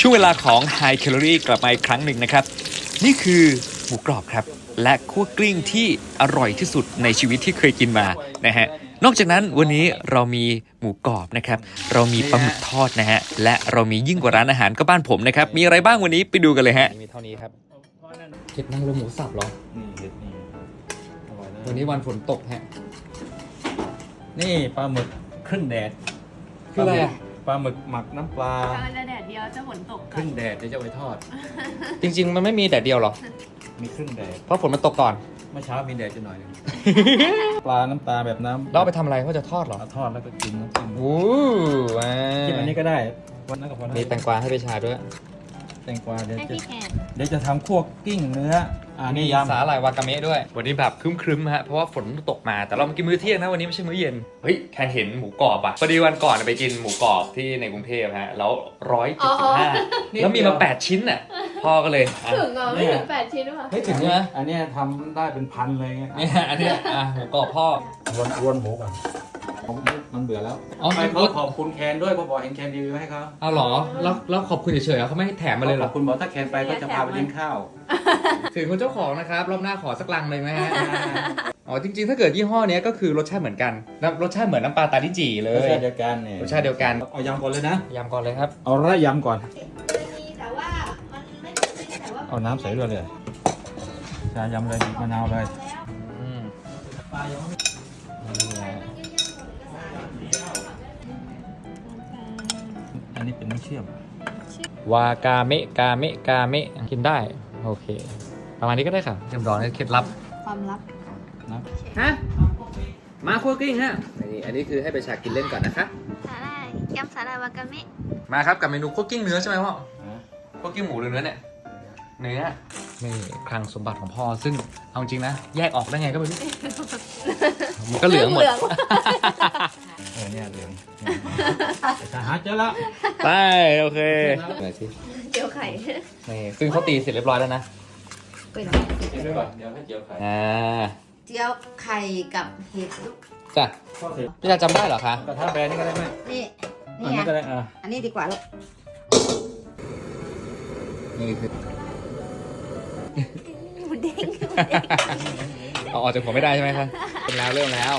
ช่วงเวลาของ High Calorie กลับมาอีกครั้งหนึ่งนะครับนี่คือหมูกรอบครับและคั่วกลิ้งที่อร่อยที่สุดในชีวิตที่เคยกินมานะฮะนอกจากนั้นวันนี้เรามีหมูกรอบนะครับเรามีปลาหมึกทอดนะฮะและเรามียิ่งกว่าร้านอาหารก็บ้านผมนะครับมีอะไรบ้างวันนี้ไปดูกันเลยฮะมีเท่านี้ครับเห็ดนางรมหมูสับเหรอนี่เห็ดนี่อร่อยนะวันนี้วันฝนตกฮะนี่ปลาหมึกครึ่งแดดคืออะไรอ่ะปลาหมึกหมักน้ำปลากำลังจะแดดเดียวจะฝนตกครึ่งแดดเดี๋ยวจะเอาไปทอดจริงๆมันไม่มีแดดเดียวหรอมีครึ่งแดดเพราะฝนมันตกก่อนเมื่อเช้ามีแดดจะหน่อยหนึง ปลาน้ำตาแบบน้ำเราเอาไปทำอะไรเขาจะทอดเหรอเอาทอดแล้วก็กินน้ำจิ้มโอ้ว้ากินอันนี้ก็ได้วันนั้นก็พอนะมีแตงกวาให้ไปชาด้วยแตงกวาเดี๋ยวให้จะพี่แคนเดี๋ยวจะทำคั่วกิ้งเนื้อนี่ยำสาหร่ายวากาเมะด้วย วันนี้แบบครึ้มๆฮะเพราะว่าฝนตกมาแต่เรามากินมื้อเที่ยงนะวันนี้ไม่ใช่มื้อเย็นเฮ้ยแคนเห็นหมูกรอบอ่ะพอดีวันก่อนไปกินหมูกรอบที่ในกรุงเทพฮะแล้ว175แล้วมีมา8ชิ้นอ่ะพ่อก็เลยอ่ะถึงเหรอไม่ถึง8 ชิ้นหรือเปล่าไม่ถึงใช่ไหมอันเนี้ยทำได้เป็นพันเลยไงเนี่ยอันเนี้ยอ่ะหมูกรอบพ่อรวนหมูก่อนมันเบื่อแล้วอ๋อไปเขาขอบคุณแคนด้วยเพราะบอกเห็นแคนรีวิวให้เขาเอาเหรอแล้วขอบคุณเฉยๆเหรอเขาไม่ให้แถมมาเลยเหรขออบคุณบอกถ้าแคนไปก็จะพาไปเลี้ยงข้าวถึงคุณเจ้าของนะครับรอบหน้าขอสักลังเลยไหมฮะอ๋อจริงๆถ้าเกิดยี่ห้อเนี้ยก็คือรสชาติเหมือนกันรสชาติเหมือนน้ำปลาตาลิจีเลรสยชาติเดียวกันเนี่ยรสชาติเดียวกันเอายำก่อนเลยนะยำก่อนเลยครับเอาระยำก่อนแต่ว่ามันไม่แต่ว่าเอาน้ำใส่ด้วยเลยชายำเลยบีบมะนาวเลยอืมนี่ฮะอันนี้เป็นน้ำเชื่อมวากาเมะกาเมะกาเมะกินได้โอเค ประมาณนี้ก็ได้ค่ะเรียบร้อยเคล็ดลับความลับนะฮะมาคั่วกลิ้งฮะนี่อันนี้คือให้ไปชากินเล่นก่อนนะคะสาหร่ายยำสาหร่ายวากาเมะมาครับกับเมนูคั่วกลิ้งเนื้อใช่ไหมพ่อคั่วกลิ้งหมูหรือเนื้อเนี่ยเนื้อนี่คลังสมบัติของพ่อซึ่งเอาจริงนะแยกออกได้ไงก็ไม่รู้มันก็เหลืองหมดเนี่ยเหลืองจะหาเจอแล้วไปโอเคไหนสิเจียวไข่นี่ซึ่งเขาตีเสร็จเรียบร้อยแล้วนะเป็นกินด้วยก่อนเดี๋ยวให้เจียวไข่อ่าเจียวไข่กับเห็ดลูกจ้ะทอดเสร็จพี่จะจำได้เหรอคะกระทะแบนนี่ก็ได้ไหมนี่อันนี่นี้ไงก็ได้อันนี้ดีกว่าลูกนี่คือหมูเด้งเอาออกจากผมไม่ได้ใช่ไหมคะเป็นแล้วเริ่มแล้ว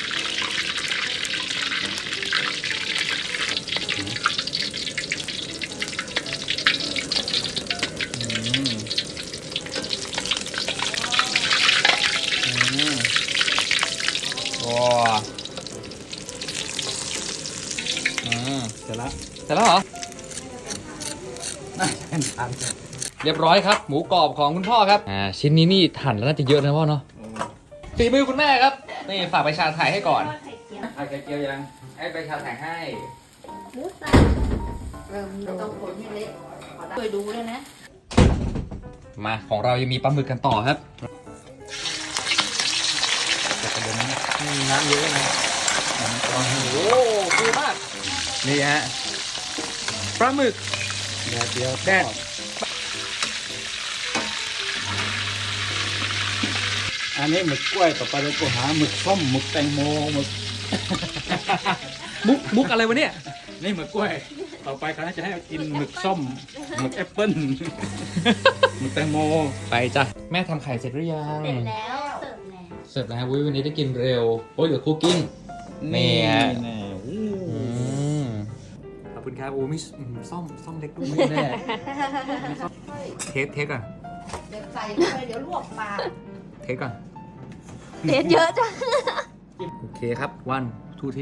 ว้าเสร็จแล้วเสร็จแล้วเหรอน่าจะเป็นทานเรียบร้อยครับ หมูกรอบของคุณพ่อครับชิ้นนี้นี่หั่นแล้วน่าจะเยอะนะพ่อเนาะฝีมือคุณแม่ครับนี่ฝากไปชาถ่ายให้ก่อนไข่เจียวยังให้ไปชาถ่ายให้หมูสับต้องผลให้เละเคยดูด้วยนะมาของเรายังมีปลาหมึกกันต่อครับแต่ประเด็นนี้น้ำเยอะนะโอ้โหฟูมากนี่ฮะปลาหมึกแดดเดียวแดดอันนี้หมึกกล้วยต่อไปเราก็หาหมึกส้มหมึกแตงโมหมึกมุกอะไรวะเนี่ยนี่หมึกกล้วย ต่อไปเขาจะให้กินหมึกส้มหมึกแอปเปิ้ลหมึกแตงโมไปจ้ะแม่ทำไข่เสร็จหรือยังเสร็จแล้วเสิร์ฟแล้วเสร็จแล้ววันนี้ได้กินเร็วโอ้ยเหลือคุกกิ้ง นี่ฮะแน่อู้ขอบคุณครับโอ้มีซ่อมเล็กด้วยแน่เทสก่อนเดี๋ยวใส่เข้าไปเดี๋ยวลวกปากเทสก่อนเด็ดเยอะจังโอเคครับวันทูที่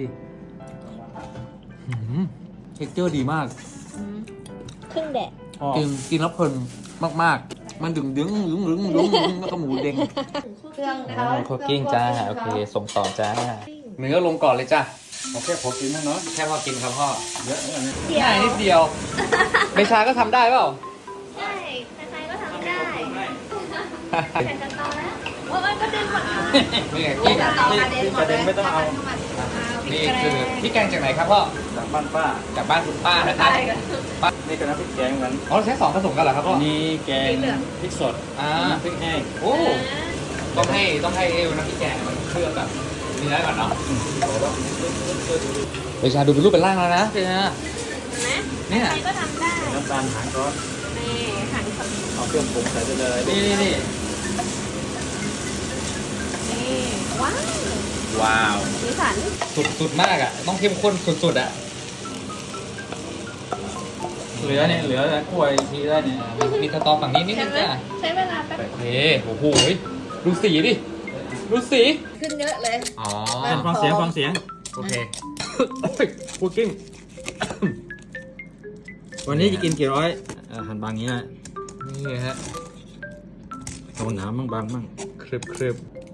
เท็กเจอร์ดีมากครึ่งแดดกินแล้วเพลินมากๆ มันดึงแล้วก็หมูเด้งเครื่องคุกกิ้งจ้าโอเคส่งต่อจ้าเนื้อลงก่อนเลยจ้าโอเคพอกินมั้งเนาะแค่พอกินครับพ่อเยอะอันนี้ง่ายนิดเดียวเบชาก็ทำได้เปล่าใช่ใครๆก็ทำได้แต่จะต่อแล้วว่ามันก็ดึงหมดเลยนี่ไงกิ้งประเด็นไม่ต้องเอานี่คือพี่แกงจากไหนครับพ่อจากบ้านป้าจากบ้านคุณป้านะครับนี่ก็น้ำพริกแกงเหมือนอ๋อใช้สองผสมกันเหรอครับพ่ออันนี้แกงพริกสดอ่าน้ำพริกแห้งโอ้ต้องให้เอวนะพี่แกงมันเคลือบแบบเนื้อก่อนเนาะเบชาดูเป็นรูปเป็นร่างแล้วนะเบชาห็นไหมเนี่ยใครก็ทำได้น้ำตาลหางก้อนนี่หั่นสดเอาเครื่องปรุงใส่ไปเลยนี่นี่ว้าวว้าวสีสันสุดมากอ่ะ ต้องเข้มข้นสุดๆอ่ะเหลือเนี่ยเหลือกล้วยทีได้เนี่ยมีสตอฝั่งนี้นิดนึงจ้ะใช้เวลาแป๊บโอเคโอ้โหดูสีดิ ดูสีขึ้นเยอะเลยอ๋อฟังเสียงฟังเสียงโอเคคุกกิ้งวันนี้จะกินกี่ร้อยหั่นบางอย่างนี้นะนี่ฮะเอาหนามั่งบางมั่งครึบ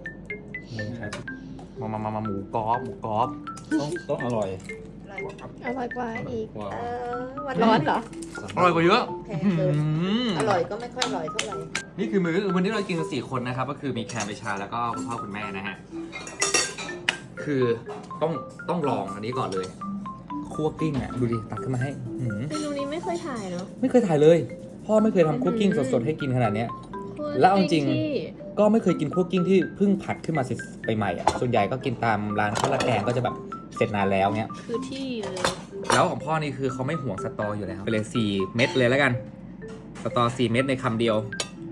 มาหมูกรอบต้องอร่อยอร่อยกว่าอีกว้าววันร้อนเหรออร่อยกว่าเยอะแพงเกิน อร่อยก็ไม่ค่อยอร่อยเท่าไหร่นี่คือมื้อวันนี้เรากินกัน4 คนนะครับ ก็คือมีแคมเบชาแล้วก็คุณพ่อคุณแม่นะฮะ คือต้องลองอันนี้ก่อนเลยคั่วกลิ้งอ่ะ ดูดิ ตักขึ้นมาให้หืมเมนูนี้ไม่เคยถ่ายเนาะไม่เคยถ่ายเลย พ่อไม่เคยทำคั่วกลิ้งสดๆให้กินขนาดเนี้ย แล้วเอาจริงที่ก็ไม่เคยกินคั่วกลิ้งที่เพิ่งผัดขึ้นมาใหม่ๆอ่ะ ส่วนใหญ่ก็กินตามร้านข้าวราดแกงก็จะแบบเสร็จนานแล้วเนี้ยคือที่เลยแล้วของพ่อนี่คือเขาไม่ห่วงสตออยู่แล้วไปเลย4 เม็ดเลยแล้วกัน สตอ4 เม็ดในคำเดียว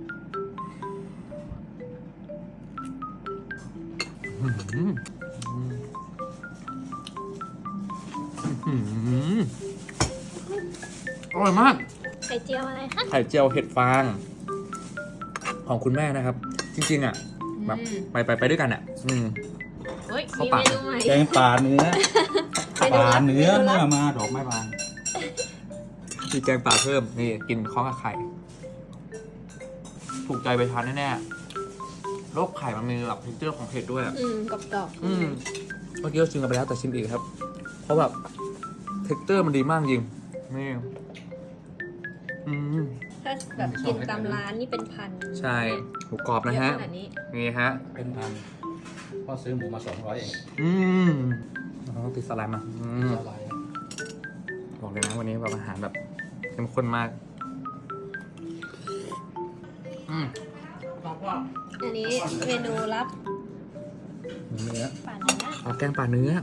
อร่อยมากไข่เจียวอะไรคะไข่เจียวเห็ดฟาง ของคุณแม่นะครับ จริงๆอ่ะแบบไปด้วยกันอ่ะเฮ้ยเข้ามีปากเมนูใหม่แกงป่าเนื้อเมนูป่าลับเนื้อมนูลัเมื่อบ มาดอกไม้บานมีแกงป่าเพิ่ม นี่กินข้าวกับไข่ ถูกใจไปทานแน่ๆโรคไข่มันมีแบบเทคเจอร์ของเผ็ดด้วยอะกรอบๆเมื่อกี้เราชิมกันไปแล้วแต่ชิมอีกครับ เพราะแบบเท็กเจอร์มันดีมากจริง นี่ถ้าแบบกินตามร้านนี่เป็นพันใช่หมูกรอบนะฮะเยอขนาดนี้นี่ฮะเป็นพันพ่อซื้อหมูมา200เองต้องติดสไลด์มาอะไรบอกเลยนะวันนี้แบบอาหารแบบเข้มข้นมากอันนี้เมนูลับเนื้อป่าเนื้อเอาแกงป่าเนื้อ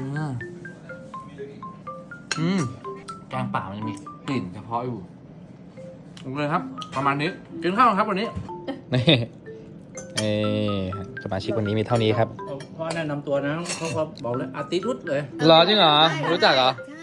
แกงป่ามันจะมีกลิ่นเฉพาะอยู่โอเคครับ ประมาณนี้ กินข้าวครับวันนี้ นี่สมาชิกวันนี้มีเท่านี้ครับพ่อแนะนำตัวนะเขาก็บอกเลยอาติรุตเลยรอจริงเหรอ รู้จักเหรอใช่